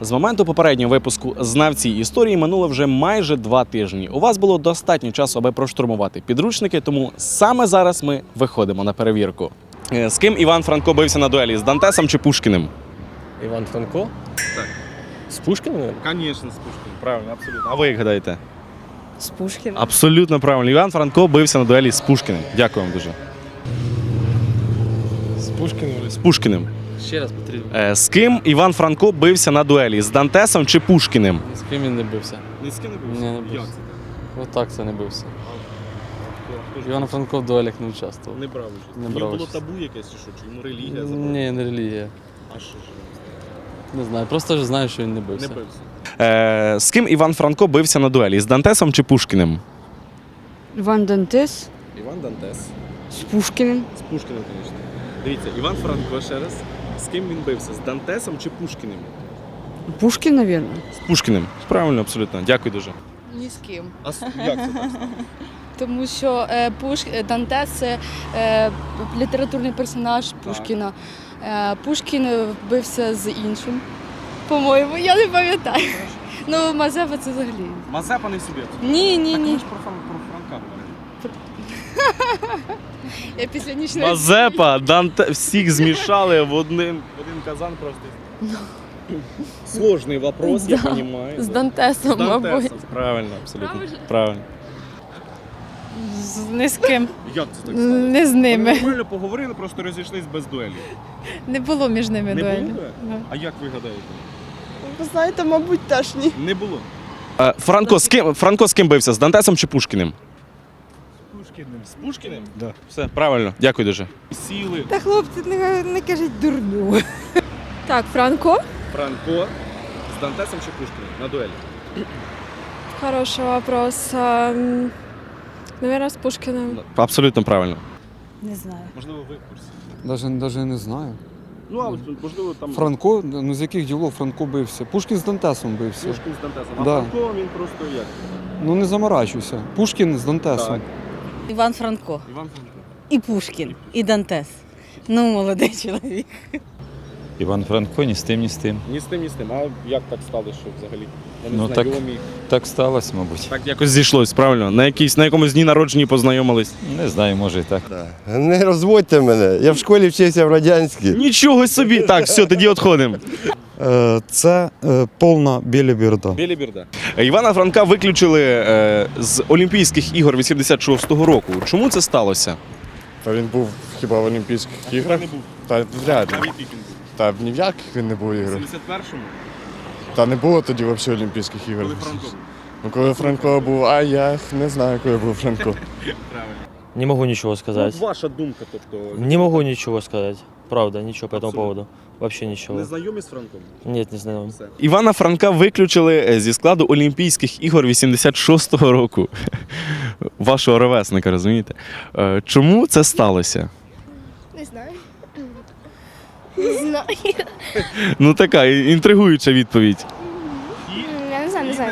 З моменту попереднього випуску «Знавці історії» минуло вже майже 2 тижні. У вас було достатньо часу, аби проштурмувати підручники, тому саме зараз ми виходимо на перевірку. З ким Іван Франко бився на дуелі? З Дантесом чи Пушкіним? Іван Франко? Так. З Пушкіним? Звісно, з Пушкіним. Правильно, абсолютно. А ви як гадаєте? З Пушкіним. Абсолютно правильно. Іван Франко бився на дуелі з Пушкіним. Дякую вам дуже. З Пушкіним? З Пушкіним. Ще раз потрібно. З ким Іван Франко бився на дуелі? З Дантесом чи Пушкіним? З ким він не бився? Ні з ким не бився? Ні, не бився. Отак це не бився. Іван Франко в дуелях не участвував. Не брав участь. Не брав було участь. табу якесь чи що? Чи йому релігія забрала? Ні, не релігія. А що ж? Не знаю, просто ж знаю, що він не бився. Не бився. З ким Іван Франко бився на дуелі? З Дантесом чи Пушкіним? Іван Дантес Іван Дантес. з Пушкіним. З Пушкіним, звісно. Дивіться, Іван Франко ще раз. З ким він бився? З Дантесом чи Пушкіним? Пушкін, мабуть. З Пушкіним. Правильно, абсолютно. Дякую дуже. Ні з ким. А як це так? Тому що Дантес – це літературний персонаж Пушкіна. Пушкін бився з іншим, по-моєму, я не пам'ятаю. Ну, Мазепа це взагалі. Мазепа не собі. Ні. ж про Франка говорили. Я після нічної... Мазепа, Данте, всіх змішали в один казан просто. Сложний вопрос, я розумію. З Дантесом, мабуть. Правильно, абсолютно. Правильно. Не з ким. Як це так стало? Не з ними. Нормально поговорили, просто розійшлись без дуелі. Не було між ними Не дуелі. було? А як ви гадаєте? Ви знаєте, мабуть, теж ні. Не було. Франко з ким бився? З Дантесом чи Пушкіним? З Пушкіним. З Пушкіним? Да. Все, правильно. Дякую дуже. Сіли. Та хлопці, не кажіть дурню. Так, Франко. Франко з Дантесом чи Пушкіним на дуелі? Хороший вопрос. Наверное, з Пушкіним. Абсолютно правильно. Не знаю. Можливо, ви в курсі. Даже не знаю. Ну, а можливо, там Франко, ну з яких ділов Франко бився? Пушкін з Дантесом бився. Пушкін з Дантесом. А Да. Франко, він просто як? Ну не заморачуйся. Пушкін з Дантесом. Так. Іван Франко. Іван Франко. І Пушкін, і Дантес. Ну, молодий чоловік. Іван Франко ні з тим, ні з тим. Ні з тим, ні з тим. А як так стало, що взагалі? Вони Ну, так. знайомі. Так сталося, мабуть. Так якось зійшлось, правильно? На якомусь дні народження познайомились. Не знаю, може і так. Не розводьте мене. Я в школі вчився в радянській. Нічого собі! Так, все, тоді відходимо. Це повна біліберда. Біліберда. Івана Франка виключили з Олімпійських ігор 86-го року. Чому це сталося? Та він був хіба в Олімпійських іграх? Не був. Та вряд ли. Навіть він був. Та ні в яких він не був В іграх. 71-му, Та не було тоді взагалі Олімпійських ігор. коли Франко був. Ну, коли Франко був, а я не знаю, коли був Франко. Правильно. Не могу ничего сказать. Ну, ваша думка, тобто. Не могу ничего сказать. Правда, ничего по этому Абсолютно. поводу. Вообще ничего. Не знайомі з Франком? Нет, не знаю. Все. Івана Франка виключили зі складу Олімпійських ігор 86-го року. Вашого ровесника, розумієте? Чому це сталося? Не знаю. Не знаю. Ну така інтригуюча відповідь. Я не знаю.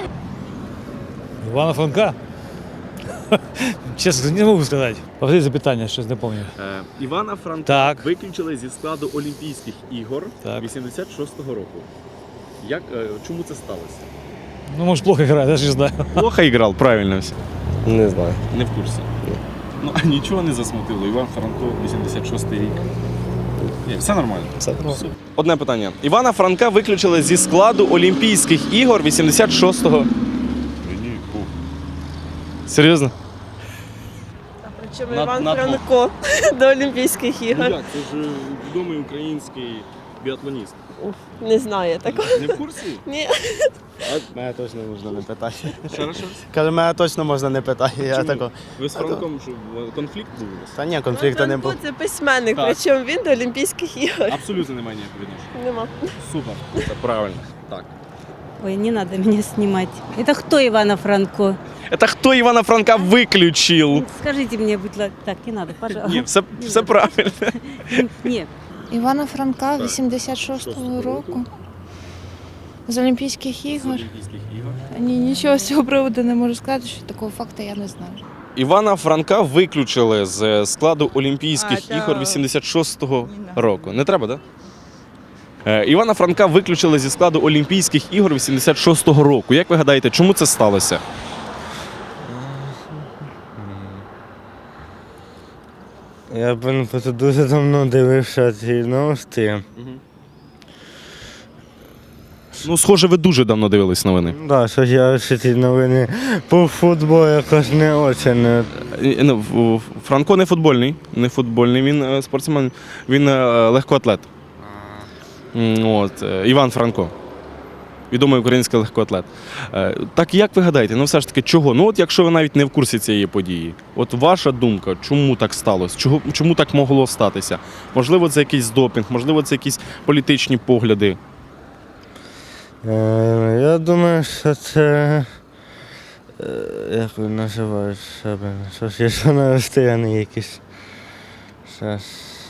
Івана Франка? Чесно, не можу сказати. Повторіть запитання, щось не пам'ятаю. Івана Франка Так. виключили зі складу Олімпійських ігор Так. 86-го року. Чому це сталося? Ну, може, плохо грає, я ж не знаю. Плохо грав, правильно все. Не знаю. Не в курсі. Ну, а нічого не засмутило. Іван Франко, 86-й рік. Ні, все нормально. Все. Одне питання. Івана Франка виключили зі складу Олімпійських ігор 86-го. Ні, був. Серйозно? Причому На- Іван на двох. Франко до Олімпійських ігор. як? Це ж відомий український біатлоніст. Не знаю такого. Не в курсі? Ні. Мене точно можна не питати. Ще раз? Каже, мене точно можна не питати. Я Чому? тако. Ви з Франком що, конфлікт був у вас? Та ні, конфлікту не було. Франко – це письменник, Так. причому він до Олімпійських ігор. Абсолютно немає ніякого відношення. Нема. Супер. Це правильно. Так. Ой, не надо меня снимать. Это кто Ивана Франко? Это хто Івана Франка виключив? Скажите мне, будь ласка. Так, не надо, Ні, пожалуйста. все правильно. Нет. Івана Франка Так. 86-го року. З Олімпійських ігор. Олімпійських ігор. Ні, нічого з цього приводу не можу сказати, що такого факту я не знаю. Івана Франка виключили з складу Олімпійських А, ігор 86-го року. Не треба, так? Івана Франка виключили зі складу Олімпійських ігор 86-го року. Як ви гадаєте, чому це сталося? Я просто дуже давно дивився ці новості. Ну, схоже, ви дуже давно дивились новини. Так, що я ці новини по футболу якось не очень. Франко не футбольний. Не футбольний, він спортсмен, він легкоатлет. От, Іван Франко. Відомий український легкоатлет. Так як ви гадаєте, ну все ж таки чого? Ну от якщо ви навіть не в курсі цієї події, от ваша думка, чому так сталося? Чому так могло статися? Можливо, це якийсь допінг, можливо, це якісь політичні погляди. Я думаю, що це. Як ви називають себе? Щось є, що на розстоянні якісь. Щас.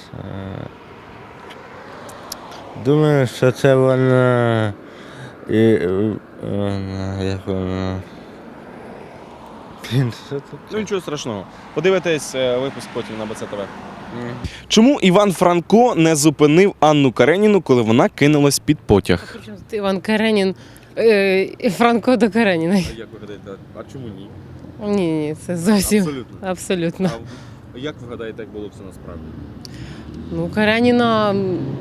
Думаю, що це вона. І вона, як вона. Блін, що це? Ну нічого страшного. Подивитесь випуск потім на БЦ-ТВ. Чому Іван Франко не зупинив Анну Кареніну, коли вона кинулась під потяг? Іван Каренін, Франко до Кареніна. Як ви гадаєте, а чому ні? Ні, це зовсім Абсолютно. абсолютно. А як ви гадаєте, як було б це насправді? Ну, Кареніна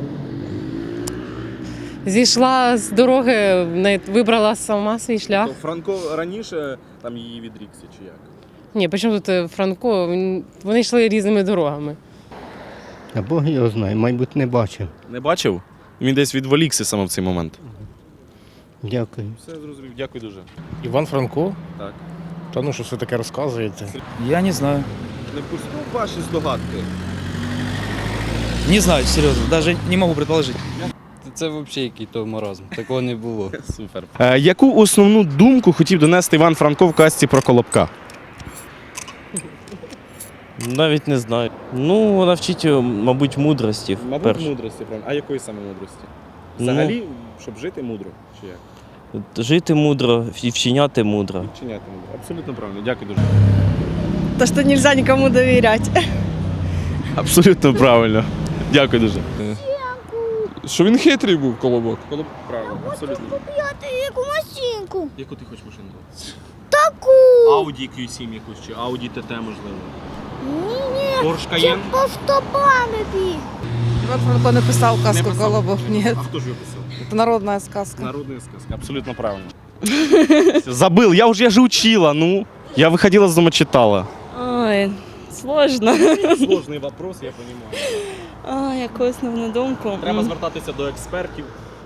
зійшла з дороги, вибрала сама свій шлях. То Франко раніше там її відрікся чи як? Ні, причому тут Франко, вони йшли різними дорогами. А Бог його знає, мабуть, не бачив. Не бачив? Він десь відволікся саме в цей момент. Дякую. Все зрозумів, дякую дуже. Іван Франко? Так. Та ну, що ви таке розказуєте? Я не знаю. Не пустив ваші здогадки. Не знаю, серйозно, навіть не можу предположити. Це взагалі який-то маразм. Такого не було. Супер. Яку основну думку хотів донести Іван Франко в казці про Колобка? Навіть не знаю. Ну, вона вчить, мабуть, мудрості. Мудрості, правильно. А якої саме мудрості? Взагалі, щоб жити мудро, чи як? Жити мудро і вчиняти мудро. Вчиняти мудро. Абсолютно правильно. Дякую дуже. То, що нельзя нікому довіряти. Абсолютно правильно. Дякую дуже. Що він хитрий був, Колобок. Колобок правильно, абсолютно. Яку машинку? Яку ти хочеш машину? Таку. Audi Q7 якусь, чи Audi TT, можливо. Ні, Porsche Cayenne? по стопами біг. Іван Франко не писав казку «Колобок», ні. А хто ж його писав? Це народна сказка. Народная сказка, абсолютно правильно. Забыл, я же учила, ну. Я выходила из дома, читала. Ой, сложно. Сложний вопрос, я розумію. Яку основну думку? Треба звертатися до експертів.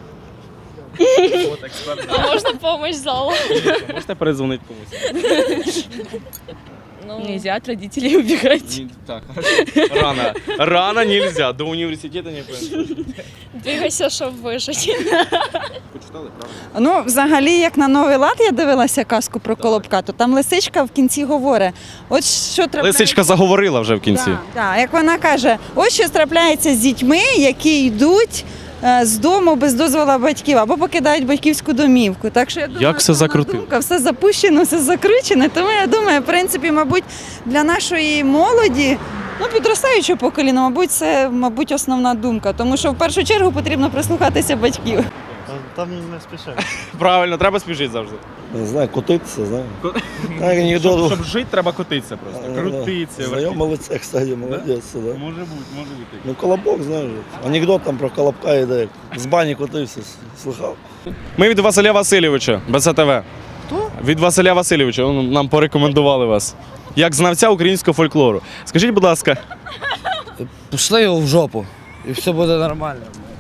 От експерт. А можна допомогу залу? Можете передзвонити комусь? Нельзя от родителей убегать. Ні, так, хорошо. Рано нельзя, до університету не пойдеш. Двигайся, щоб вижити. Почитали, правда? Ну, взагалі, як на Новий лад я дивилася казку про Колобка, то там лисичка в кінці говорить, от що трапляється... Лисичка заговорила вже в кінці. Так, як вона каже, ось що трапляється з дітьми, які йдуть з дому без дозволу батьків або покидають батьківську домівку. Так що я думаю, Як все закрутило? думка, все запущено, все закручено. Тому я думаю, в принципі, мабуть, для нашої молоді, ну, підростаючого покоління, мабуть, це основна думка. Тому що в першу чергу потрібно прислухатися батьків. Там не спішають. Правильно, треба спішити завжди. Не знаю, котитися, знаю. Так, анекдот. Щоб жити, треба котитися просто. Крутитися. Знайоме лице, кстати, молодець, да? Може бути. Ну, Колобок, знаєш, анекдот там про Колобка йде. З бані котився, слухав. Ми від Василя Васильовича, БЦ-ТВ. Хто? Від Василя Васильовича, нам порекомендували вас. Як знавця українського фольклору. Скажіть, будь ласка. Пішли його в жопу, і все буде нормально.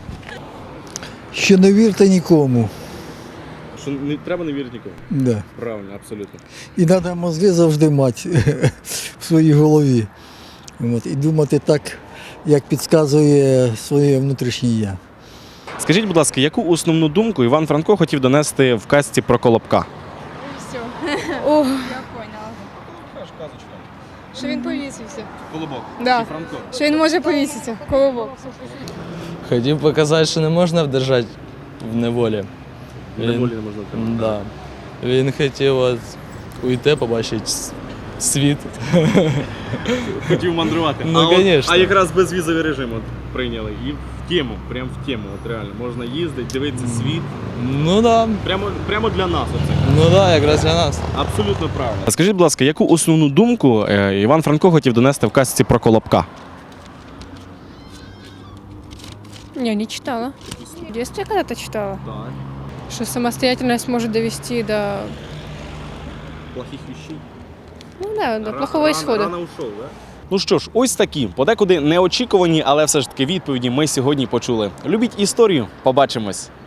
Що не вірте нікому. Що не треба не вірити нікому. Да. Правильно, абсолютно. І треба мозги завжди мати в своїй голові. От, і думати так, як підказує своє внутрішнє я. Скажіть, будь ласка, яку основну думку Іван Франко хотів донести в казці про Колобка? Все. О, я поняла. Що він повісився. Колобок. Да. Франко. Що він може повіситися. Колобок. Хотів показати, що не можна вдержати в неволі. Неволі не можна тримати. Да. Він хотів от уйти, побачити світ. Хотів мандрувати. Ну, конечно. А якраз безвізовий режим от прийняли і тему, прям в тему. От реально, можна їздити, дивитися світ. Ну да, Прямо для нас оце. ну да, якраз для нас. Абсолютно правильно. Скажіть, будь ласка, яку основну думку Іван Франко хотів донести в казці про Колобка? Я не читала. В детстве когда-то читала, Так. что самостоятельность может довести до, Плохих вещей. ну да, до плохого исхода. Рано ушов, да? Ну що ж, ось такі, подекуди неочікувані, але все ж таки відповіді ми сьогодні почули. Любіть історію, побачимось.